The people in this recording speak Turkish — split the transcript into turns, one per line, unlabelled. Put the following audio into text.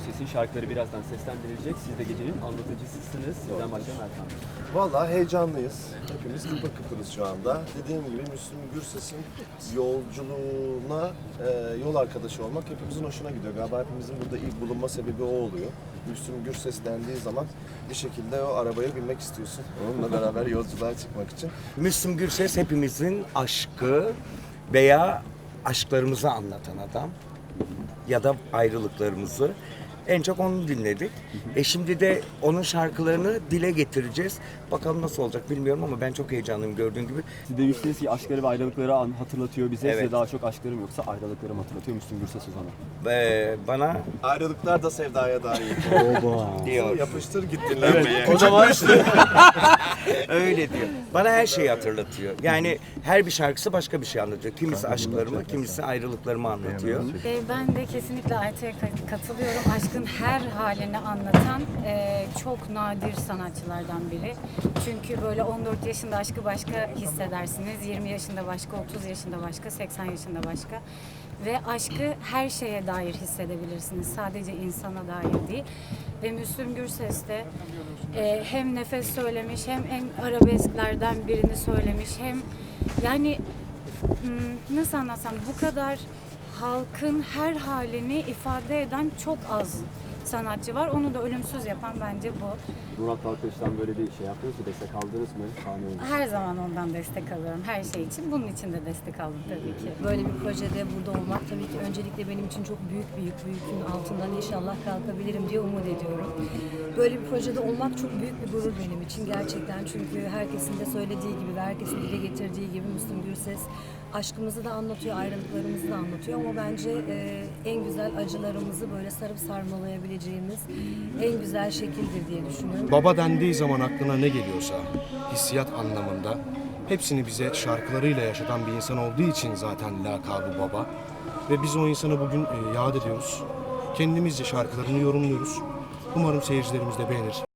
Gürses'in şarkıları birazdan seslendirilecek. Siz de gecenin anlatıcısısınız. Sizden başlayalım Erkan Bey.
Vallahi heyecanlıyız. Hepimiz kıpır kıpırız şu anda. Dediğim gibi Müslüm Gürses'in yolculuğuna yol arkadaşı olmak hepimizin hoşuna gidiyor. Galiba hepimizin burada ilk bulunma sebebi o oluyor. Müslüm Gürses dendiği zaman bir şekilde o arabaya binmek istiyorsun. Onunla beraber yolculuğa çıkmak için.
Müslüm Gürses hepimizin aşkı veya aşklarımızı anlatan adam ya da ayrılıklarımızı. En çok onu dinledik. Şimdi de onun şarkılarını dile getireceğiz. Bakalım nasıl olacak bilmiyorum ama ben çok heyecanlıyım gördüğün gibi.
Siz demiştiniz ki aşkları ve aşkları hatırlatıyor bize.
Evet.
Size daha çok aşklarım yoksa ayrılıklarım hatırlatıyor Müslüm Gürses o zaman.
Bana
Ayrılıklar da sevdaya dair.
diyor.
Yapıştır git dinlenmeye.
O zaman
Öyle diyor. Bana her şeyi hatırlatıyor. Yani her bir şarkısı başka bir şey anlatıyor. Kimisi aşklarımı, kimisi ayrılıklarımı anlatıyor.
Ben de kesinlikle Ayta'ya katılıyorum. Aşkın her halini anlatan çok nadir sanatçılardan biri. Çünkü böyle 14 yaşında aşkı başka hissedersiniz. 20 yaşında başka, 30 yaşında başka, 80 yaşında başka. Ve aşkı her şeye dair hissedebilirsiniz. Sadece insana dair değil. Ve Müslüm Gürses de hem nefes söylemiş, hem en arabesklerden birini söylemiş, hem yani nasıl anlatsam, bu kadar halkın her halini ifade eden çok az sanatçı var. Onu da ölümsüz yapan bence bu.
Murat Dalkılıç'tan böyle bir şey yaptınız mı? Destek aldınız mı? Sahne önünde.
Her zaman ondan destek alıyorum. Her şey için. Bunun için de destek aldım tabii ki.
Böyle bir projede burada olmak tabii ki öncelikle benim için çok büyük bir yükün altından inşallah kalkabilirim diye umut ediyorum. Böyle bir projede olmak çok büyük bir gurur benim için gerçekten, çünkü herkesin de söylediği gibi ve herkesin dile getirdiği gibi Müslüm Gürses aşkımızı da anlatıyor, ayrılıklarımızı da anlatıyor ama bence en güzel acılarımızı böyle sarıp sarmalayabileceğimiz en güzel şekildir diye düşünüyorum.
Baba dendiği zaman aklına ne geliyorsa hissiyat anlamında hepsini bize şarkılarıyla yaşatan bir insan olduğu için zaten lakabı baba. Ve biz o insanı bugün yad ediyoruz. Kendimizce şarkılarını yorumluyoruz. Umarım seyircilerimiz de beğenir.